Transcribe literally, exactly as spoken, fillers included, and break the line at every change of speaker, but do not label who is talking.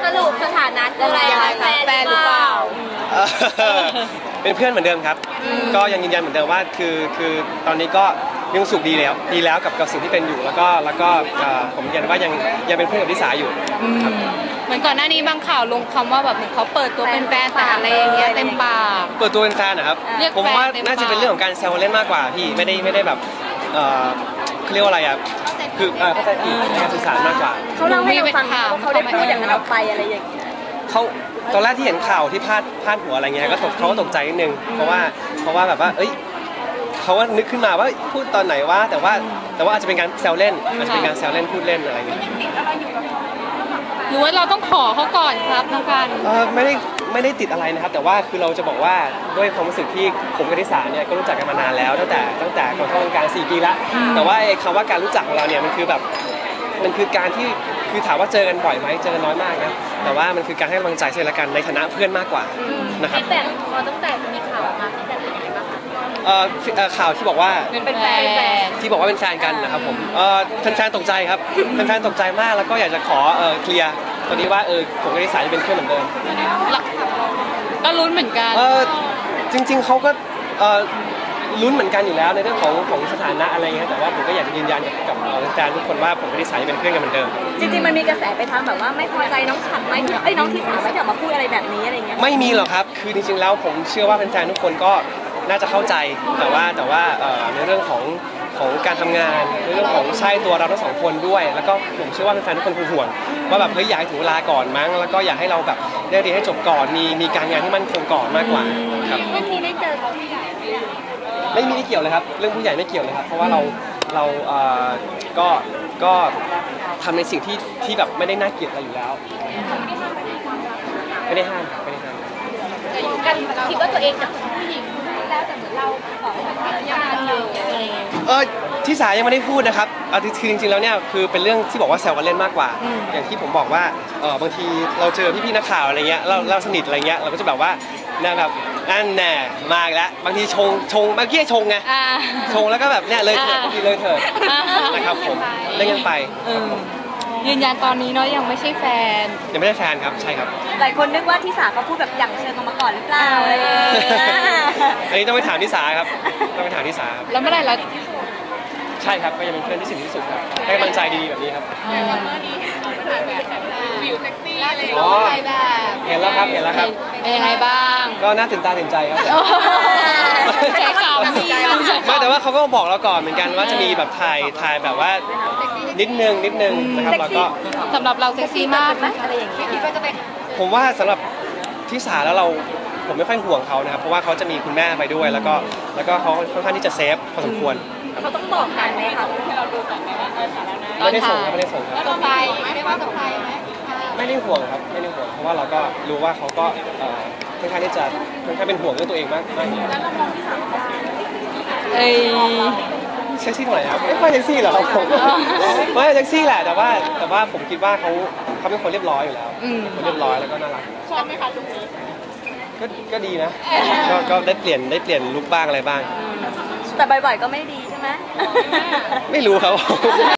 รุปสถานะคืออะไรคะแฟนหรือเปล่า
เป็นเพื่อนเหมือนเดิมครับก็ยังยืนยันเหมือนเดิมว่าคือคือตอนนี้ก็ยังสุขดีแล้วดีแล้วกับกับสิ่งที่เป็นอยู่แล้วก็แล้วก็ผมยืนยันว่ายังยังเป็นเพื่อนกับลิสาอยู่
เหมือนก่อนหน้านี้บางข่าวลงคำว่าแบบเหมือนเขาเปิดตัวเป็นแฟนแต่อะไรอย่างเงี้ยเต็มปาก
เปิดตัวเป็นแฟนนะครับผมว่าน่าจะเป็นเรื่องของการแซวเล่นมากกว่าพี่ไม่ได้ไม่ได้แบบเขาเรียกว่าอะไรอ่ะคือเข้าใจผิดในการสื่อสารมากกว่า
เขาเล่าให้เราฟังว่าเขาได้พูดอย่างนั้นออกไปอะไรอย่างเงี้ย
เขาตอนแรกที่เห็นข่าวที่พาดพาดหัวอะไรเงี้ยก็ตกเขาก็ตกใจนิดนึงเพราะว่าเพราะว่าแบบว่าเอ้ยเขาว่านึกขึ้นมาว่าพูดตอนไหนว่าแต่ว่าแต่ว่าอาจจะเป็นการแซวเล่นอาจจะเป็นการแซวเล่นพูดเล่นอะไรเงี้ย
หรือว่าเราต้องขอเขาก่อนครับน้องกัน
เออไม่ได้ไม่ได้ติดอะไรนะครับแต่ว่าคือเราจะบอกว่าด้วยความรู้สึกที่ผมกับทิสาเนี่ยก็รู้จักกันมานานแล้วตั้งแต่ตั้งแต่ก่อนเข้าวงการสี่ปีละแต่ว่าคำว่าการรู้จักของเราเนี่ยมันคือแบบมันคือการที่คือถามว่าเจอกันบ่อยไหมเจอกันน้อยมากนะแต่ว่ามันคือการให้กำลังใจซึ่งกันในฐานะเพื่อนมากกว่านะครับ
แต่พอตั้งแต่มีข่าวมาที่แบบเป็นยังไงบ้างคะ
เอ่อข่าวที่บอกว่า
เป็นแฟน
ที่บอกว่าเป็นแฟนกันนะครับผมเอ่อแฟนๆตกใจครับแฟนๆตกใจมากแล้วก็อยากจะขอเอ่อเคลียร์ตอนนี้ว่าเออผมกับทิสาจะเป็นเพื่อนเหมือนเดิม
ก็ลุ้นเหมือนกัน
เออจริงๆเขาก็เอ่อลุ้นเหมือนกันอยู่แล้วในเรื่องของของสถานะอะไรเงี้ยแต่ว่าผมก็อยากจะยืนยันกับกับแฟนทุกคนว่าผมกับทิสาเป็นเพื่อนกันเหมือนเดิม
จริงๆมันมีกระแสไปทางแบบว่าไม่พอใจน้องฉันไหมเอ้ยน้องทิสาไม่จะมาพูดอะไรแบบนี้อะไรเงี้ย
ไม่มีหรอกครับคือจริงๆแล้วผมเชื่อว่าแฟนๆทุกคนก็น่าจะเข้าใจแต่ว่าแต่ว่าในเรื่องของของการทำงานในเรื่องของใช่ตัวเราทั้งสองคนด้วยแล้วก็ผมเชื่อว่าแฟนๆทุกคนคงห่วงว่าแบบเฮ้ยอยากให้ถึงเวลาก่อนมั้งแล้วก็อยากให้เราแบบได้เรียนให้จบก่อนมีมีการงานที่มั่นคงก่อนมากกว่าครับ
ไม่มีได้เจอผู้ใหญ่
ไม่มีไม่เกี่ยวเลยครับเรื่องผู้ใหญ่ไม่เกี่ยวเลยครับเพราะว่าเราเราเอ่อก็ก็ทำในสิ่งที่ที่แบบไม่ได้น่าเกลียดอะไรอยู่แล้วไม่ได้ห้ามไม่ได้ห้าม
กันคิดว่าตัวเองจะเป็นผู้หญิงแล้วแต่เหมือนเราบอกว่าเป็นงานอยู่อะไรอย่างเงี้ย
เออที่สายยังไม่ได้พูดนะครับเอาคือจริงๆแล้วเนี่ยคือเป็นเรื่องที่บอกว่าแซวกันเล่นมากกว่าอย่างที่ผมบอกว่าเออบางทีเราเจอพี่ๆนักข่าวอะไรเงี้ยเราเราสนิทอะไรเงี้ยเราก็จะแบบว่าเนี่ยแบบนั่นแน่มาอีกแล้วบางทีชงชงบางทีชงไงชงแล้วก็แบบเนี่ยเลยเถิดบางทีเลยเถิดนะครับผมเล่นกันไป
ยืนยันตอนนี้เนาะยังไม่ใช่แฟน
ยังไม่ได้แฟนครับใช่ครับ
หลายคนนึกว่าทิสาเขาพูดแบบอย่างเชิงมาก่อนหรือเปล่าอะไร
อันนี้ต้องไปถามทิสาครับต้องไปถามทิสาครับ
แล้วเมื่อไหร่เรา
ใช่ครับก็ยังเป็นเพื่อนที่สนิทที่สุดครับให้กำลังใจดีๆแบบนี้ครับ
วิวเซ็กซี่อะไรอย่างเงี้ย
เห็นแล้วครับเห็นแล้วครับ
เป็นยังไงบ้าง
ก็น่าตื่นตาตื่นใจครับ
ใช้คำ
ไม่แต่ว่าเขาก็บอกเราก่อนเหมือนกันว่าจะมีแบบถ่ายถ่ายแบบว่านิดนึงนิดนึงนะครับแล้วก็
สำหรับเราเซ็กซี่มากไหมอะไรอย่างเงี้ย
ผมว่าสำหรับทิสาแล้วเราผมไม่ค่อยห่วงเขานะครับเพราะว่าเขาจะมีคุณแม่ไปด้วยแล้วก็แล้วก็เขาค่อนข้างที่จะเซฟพอสมควร
เขาต้องบอกกันไหมคะ
ไม่ได้ส่งไม่ได้ส่งครับ
แล้วไปไม่ว่ากับใครไหม
ไม่ได้ห่วงครับไม่ได้ห่วงเพราะว่าเราก็รู้ว่าเขาก็ค่อนข้างที่จะค่อนข้างเป็นห่วงเรื่องตัวเองมากมาก
แล้วเรามองที่สาม
เอ้ย
เซ็กซี่หน่อยครับไม่ค่อยเซ็กซี่หรอกผมไม่เซ็กซี่แหละแต่ว่าแต่ว่าผมคิดว่าเขาเขาเป็นคนเรียบร้อยอยู่แล้วคนเรียบร้อยแล้วก็น่ารัก
ชอบไหมคะลุคนี้
ก็ก็ดีนะก็ก็ได้เปลี่ยนได้เปลี่ยนลุคบ้างอะไรบ้าง
แต่บ่อยๆก็ไม่ดีใช่ไหม
ไม่รู้ครับ